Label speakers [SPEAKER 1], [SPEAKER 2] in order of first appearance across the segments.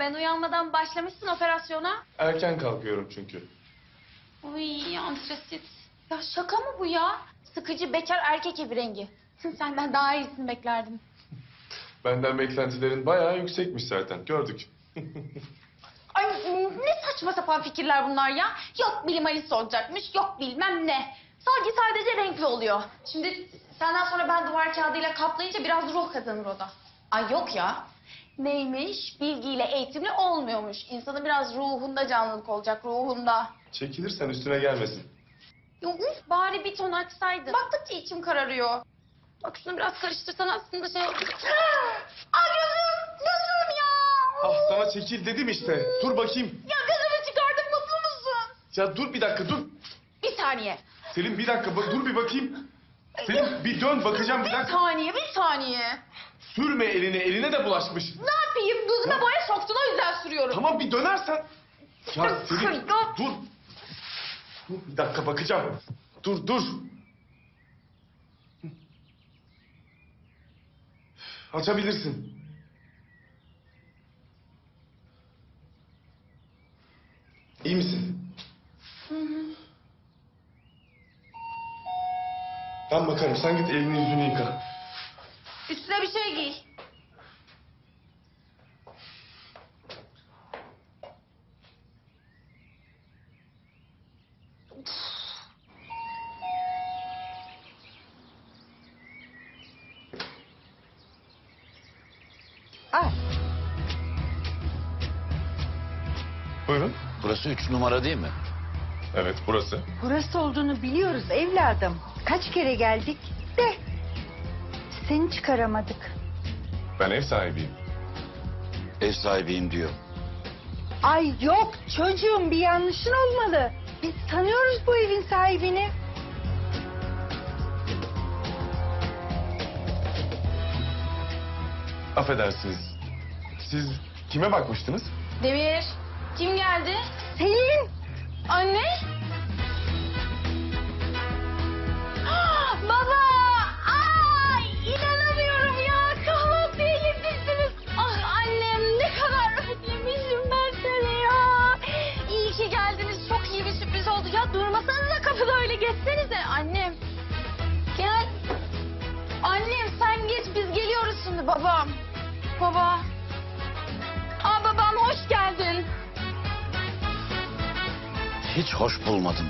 [SPEAKER 1] Ben uyanmadan başlamışsın operasyona.
[SPEAKER 2] Erken kalkıyorum çünkü.
[SPEAKER 1] Uy antresit. Ya şaka mı bu ya? Sıkıcı bekar erkek evi rengi. Senden daha iyisini beklerdim.
[SPEAKER 2] Benden beklentilerin bayağı yüksekmiş zaten. Gördük.
[SPEAKER 1] Ay ne saçma sapan fikirler bunlar ya. Yok bilim Alice olacakmış, yok bilmem ne. Sadece renkli oluyor. Şimdi senden sonra ben duvar kağıdıyla kaplayınca biraz ruh kazanır o da. Ay yok ya. Neymiş? Bilgiyle eğitimli olmuyormuş. İnsanın biraz ruhunda canlılık olacak, ruhunda.
[SPEAKER 2] Çekilirsen üstüne gelmesin.
[SPEAKER 1] Ya uf, bari bir ton açsaydın. Baktıkça içim kararıyor. Bak şunu biraz karıştırsan aslında şey... Aa gözüm ya.
[SPEAKER 2] Ah sana çekil dedim işte. Dur bakayım.
[SPEAKER 1] Ya gözümü çıkardık mutlu musun?
[SPEAKER 2] Ya dur bir dakika dur.
[SPEAKER 1] Bir saniye.
[SPEAKER 2] Selin bir dakika dur bir bakayım. Selin bir dön bakacağım bir
[SPEAKER 1] Bir
[SPEAKER 2] dakika.
[SPEAKER 1] saniye.
[SPEAKER 2] Sürme eline de bulaşmış.
[SPEAKER 1] Ne yapayım? Gözüme boya soktun o yüzden sürüyorum.
[SPEAKER 2] Tamam bir dönersen. Ya Selin
[SPEAKER 1] Ya.
[SPEAKER 2] dur. Dur bir dakika bakacağım. Dur. Açabilirsin. İyi misin? Ben bakarım. Sen git elini yüzünü yıka.
[SPEAKER 1] Üstüne bir şey giy.
[SPEAKER 3] Ay,
[SPEAKER 2] Buyurun.
[SPEAKER 4] Burası 3 numara değil mi?
[SPEAKER 2] Evet burası.
[SPEAKER 3] burası olduğunu biliyoruz evladım. Kaç kere geldik de seni çıkaramadık.
[SPEAKER 2] Ben ev sahibiyim.
[SPEAKER 4] Ev sahibiyim diyor.
[SPEAKER 3] Ay yok çocuğum bir yanlışın olmalı. Biz tanıyoruz bu evin sahibini.
[SPEAKER 2] Affedersiniz. Siz kime bakmıştınız?
[SPEAKER 1] Demir. Kim geldi?
[SPEAKER 3] Selin.
[SPEAKER 1] Anne. Ah, baba. Ay inanamıyorum ya. Kahvaltıya yetiştiniz. Ah annem ne kadar özlemişim ben seni ya. İyi ki geldiniz. Çok iyi bir sürpriz oldu. Ya durmasanıza kapıda öyle geçsenize. Annem. Gel. Annem sen geç biz geliyoruz şimdi babam. Baba. Aa babam hoş geldin.
[SPEAKER 4] Hiç hoş bulmadım.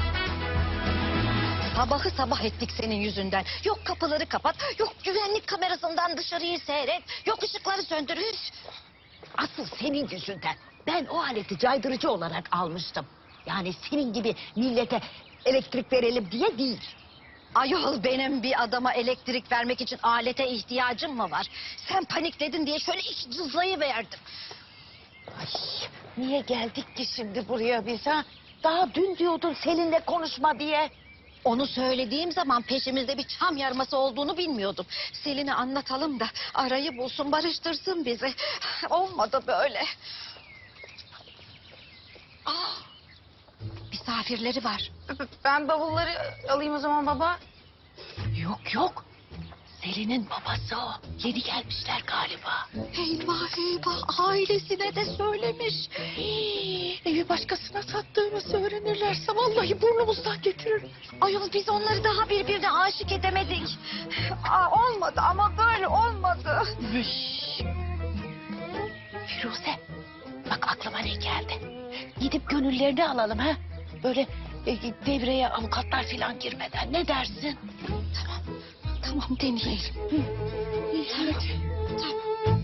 [SPEAKER 5] Sabahı sabah ettik senin yüzünden. Yok kapıları kapat, yok güvenlik kamerasından dışarıyı seyret, yok ışıkları söndür. Üf! Asıl senin yüzünden. Ben o aleti caydırıcı olarak almıştım. Yani senin gibi millete elektrik verelim diye değil. Ayol benim bir adama elektrik vermek için alete ihtiyacım mı var? Sen panikledin diye şöyle iki cızlayı verdim. Ay, niye geldik ki şimdi buraya biz ha? Daha dün diyordun Selin'le konuşma diye. Onu söylediğim zaman peşimizde bir çam yarması olduğunu bilmiyordum. Selin'e anlatalım da arayı bulsun, barıştırsın bizi. Olmadı böyle. Aa, misafirleri var.
[SPEAKER 1] Ben bavulları alayım o zaman baba.
[SPEAKER 5] Yok. Selin'in babası o. Yeni gelmişler galiba. Eyvah ailesine de söylemiş. Evi başkasına sattığımızı öğrenirlerse vallahi burnumuzdan getirir. Ayol biz onları daha birbirine aşık edemedik. Olmadı ama böyle olmadı. Firuze bak aklıma ne geldi. Gidip gönüllerini alalım ha. Böyle devreye avukatlar falan girmeden ne dersin? Tamam deneyelim. Evet. Tamam.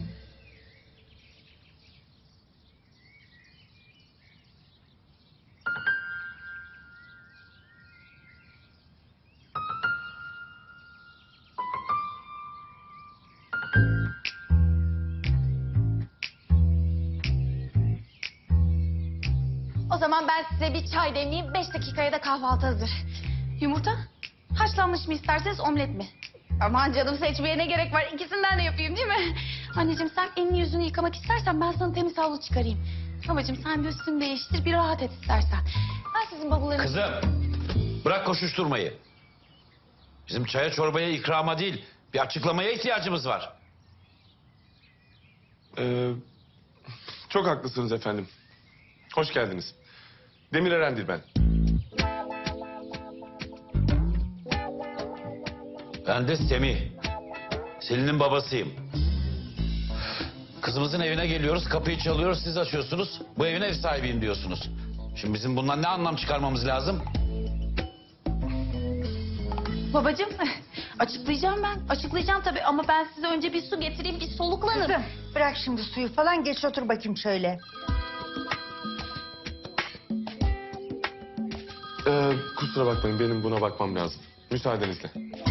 [SPEAKER 1] O zaman ben size bir çay demleyeyim. 5 dakikaya da kahvaltı hazır. Yumurta? Haşlanmış mı isterseniz omlet mi? Aman canım seçmeye ne gerek var? İkisinden de yapayım değil mi? Anneciğim sen elini yüzünü yıkamak istersen ben sana temiz havlu çıkarayım. Babacığım sen bir üstünü değiştir bir rahat et istersen. Ben sizin bavullarınızı...
[SPEAKER 4] Kızım bırak koşuşturmayı. Bizim çaya çorbaya ikrama değil bir açıklamaya ihtiyacımız var.
[SPEAKER 2] Ee, Çok haklısınız efendim. Hoş geldiniz. Demir Erendir ben.
[SPEAKER 4] Ben de Semih. Selin'in babasıyım. Kızımızın evine geliyoruz, kapıyı çalıyoruz, siz açıyorsunuz. Bu evin ev sahibiyim diyorsunuz. Şimdi bizim bundan ne anlam çıkarmamız lazım?
[SPEAKER 1] Babacığım açıklayacağım ben. Açıklayacağım tabii ama ben size önce bir su getireyim, bir soluklanın.
[SPEAKER 3] Kızım bırak şimdi suyu falan, geç otur bakayım şöyle.
[SPEAKER 2] Kusura bakmayın, benim buna bakmam lazım. Müsaadenizle.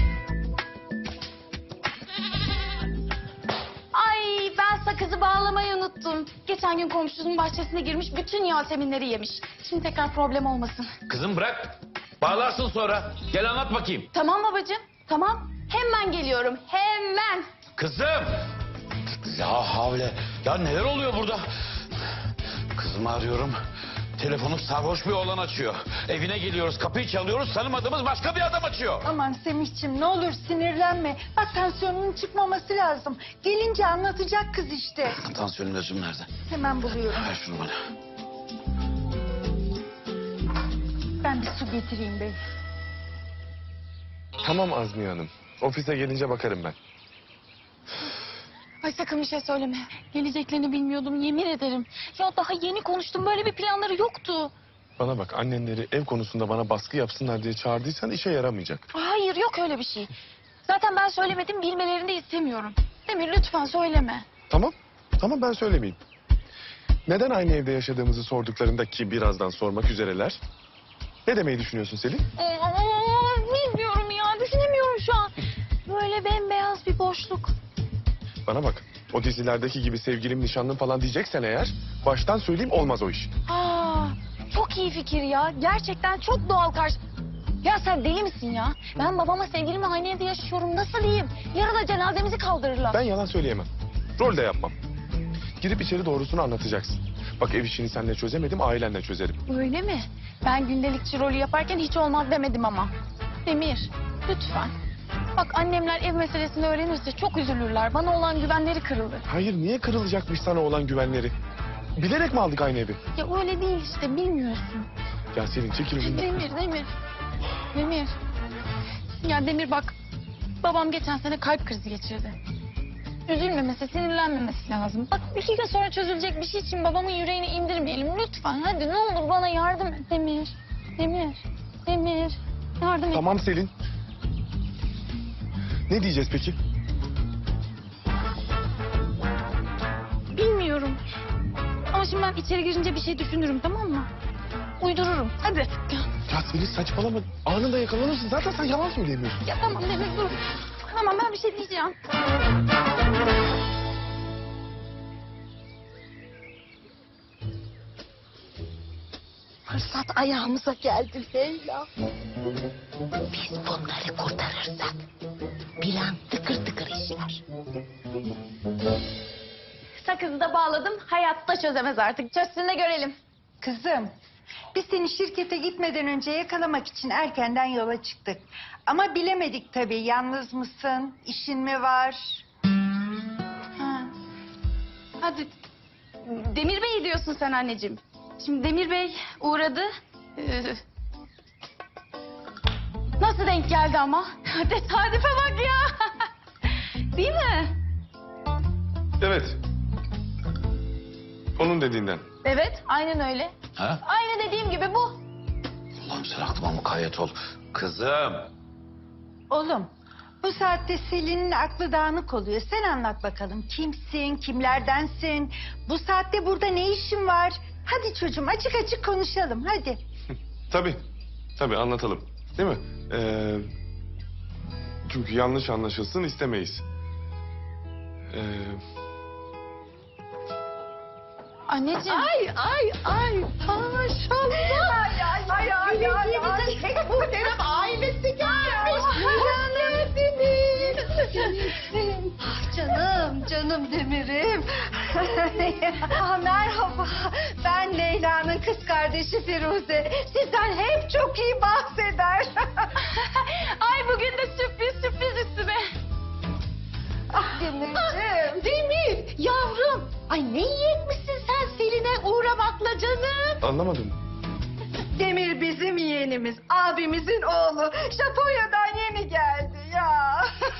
[SPEAKER 1] Ay ben sakızı bağlamayı unuttum. Geçen gün komşusunun bahçesine girmiş, bütün yaseminleri yemiş. Şimdi tekrar problem olmasın.
[SPEAKER 4] Kızım bırak. Bağlarsın sonra. Gel anlat bakayım.
[SPEAKER 1] Tamam babacığım, tamam. Hemen geliyorum, hemen.
[SPEAKER 4] Kızım! Ya havle. Ya neler oluyor burada? Kızımı arıyorum. Telefonu sarhoş bir oğlan açıyor. Evine geliyoruz, kapıyı çalıyoruz. Tanımadığımız başka bir adam açıyor.
[SPEAKER 3] Aman Semihciğim, ne olur sinirlenme. Bak tansiyonunun çıkmaması lazım. Gelince anlatacak kız işte.
[SPEAKER 4] Tansiyonun ölçüm nerede?
[SPEAKER 3] Hemen buluyorum.
[SPEAKER 4] Ver şunu bana.
[SPEAKER 3] Ben bir su getireyim bey.
[SPEAKER 2] Tamam Azmiye Hanım. Ofise gelince bakarım ben.
[SPEAKER 1] Ay sakın bir şey söyleme. Geleceklerini bilmiyordum, yemin ederim. Ya daha yeni konuştum, böyle bir planları yoktu.
[SPEAKER 2] Bana bak, annenleri ev konusunda bana baskı yapsınlar diye çağırdıysan işe yaramayacak.
[SPEAKER 1] Hayır, yok öyle bir şey. Zaten ben söylemedim, bilmelerini de istemiyorum. Demir lütfen söyleme.
[SPEAKER 2] Tamam, tamam ben söylemeyeyim. Neden aynı evde yaşadığımızı sorduklarında, ki birazdan sormak üzereler. Ne demeyi düşünüyorsun Selin?
[SPEAKER 1] Bilmiyorum ya, düşünemiyorum şu an. Böyle bembeyaz bir boşluk.
[SPEAKER 2] Bana bak, o dizilerdeki gibi sevgilim, nişanlım falan diyeceksen eğer, baştan söyleyeyim, olmaz o iş.
[SPEAKER 1] Aa, çok iyi fikir ya. Gerçekten çok doğal karşı... Ya sen deli misin ya? Ben babama sevgilimle aynı evde yaşıyorum. Nasıl diyeyim? Yarın cenazemizi kaldırırlar.
[SPEAKER 2] Ben yalan söyleyemem. Rol de yapmam. Girip içeri doğrusunu anlatacaksın. Bak, ev işini seninle çözemedim, ailenle çözerim.
[SPEAKER 1] Öyle mi? Ben gündelikçi rolü yaparken hiç olmaz demedim ama. Demir, lütfen. Bak annemler ev meselesini öğrenirse çok üzülürler. Bana olan güvenleri kırılır.
[SPEAKER 2] Hayır, niye kırılacakmış sana olan güvenleri? Bilerek mi aldık aynı evi?
[SPEAKER 1] Ya öyle değil işte, bilmiyorsun.
[SPEAKER 2] Ya Selin, çekil önümden.
[SPEAKER 1] Demir. Ya Demir bak, babam geçen sene kalp krizi geçirdi. Üzülmemesi, sinirlenmemesi lazım. Bak 2 gün sonra çözülecek bir şey için babamın yüreğini indirmeyelim. Lütfen hadi ne olur bana yardım et Demir. Demir. Yardım et.
[SPEAKER 2] Tamam Selin. Ne diyeceğiz peki?
[SPEAKER 1] Bilmiyorum. Ama şimdi ben içeri girince bir şey düşünürüm, tamam mı? Uydururum. Hadi.
[SPEAKER 2] Ya Selin saçmalama. Anında yakalanırsın. Zaten sen yalan söyleyemiyorsun.
[SPEAKER 1] Ya tamam Demir dur. Tamam ben bir şey diyeceğim.
[SPEAKER 5] Fırsat ayağımıza geldi Leyla. Biz bunları kurtarırsak plan tıkır tıkır işler.
[SPEAKER 1] Sakızı da bağladım. Hayatta çözemez artık. Çözsün de görelim.
[SPEAKER 3] Kızım, biz seni şirkete gitmeden önce yakalamak için erkenden yola çıktık. Ama bilemedik tabii, yalnız mısın, işin mi var?
[SPEAKER 1] Ha. Hadi. Demir Bey diyorsun sen anneciğim. Şimdi Demir Bey uğradı. Nasıl denk geldi ama? Tesadüfe bak ya. Değil mi?
[SPEAKER 2] Evet. Onun dediğinden.
[SPEAKER 1] Evet, aynen öyle.
[SPEAKER 4] Ha?
[SPEAKER 1] Aynı dediğim gibi bu.
[SPEAKER 4] Allah'ım sen aklıma mukayyet ol. Kızım.
[SPEAKER 3] Oğlum, bu saatte Selin'in aklı dağınık oluyor. Sen anlat bakalım, kimsin, kimlerdensin? Bu saatte burada ne işin var? Hadi çocuğum, açık açık konuşalım, hadi.
[SPEAKER 2] Tabii anlatalım. Değil mi? Çünkü yanlış anlaşılsın istemeyiz.
[SPEAKER 1] Anneciğim.
[SPEAKER 5] Ay maşallah. Ay. Tek muhterem ailesi gelmiş.
[SPEAKER 3] Canım Demir'im. Merhaba, ben Leyla'nın kız kardeşi Firuze. Sizden hep çok iyi bahseder.
[SPEAKER 1] Ay bugün de sürpriz üstüme.
[SPEAKER 3] Demir'im.
[SPEAKER 5] Demir yavrum. Ay ne yiyecekmişsin sen Selin'e uğramakla canım?
[SPEAKER 2] Anlamadım.
[SPEAKER 3] Demir bizim yeğenimiz, abimizin oğlu. Japonya'dan yeni geldi ya.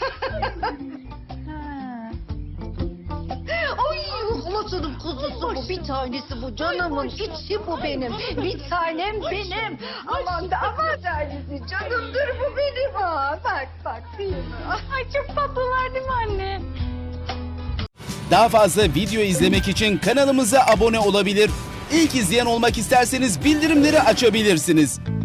[SPEAKER 5] Ay halasının kuzusu bu, bir tanesi bu, canımın içi bu benim. Bir tanem benim.
[SPEAKER 3] Aman da aman tanesi canımdır bu benim ha. Bak değil mi?
[SPEAKER 1] Ay çok tatlılar değil mi anne?
[SPEAKER 6] Daha fazla video izlemek için kanalımıza abone olabilir. İlk izleyen olmak isterseniz bildirimleri açabilirsiniz.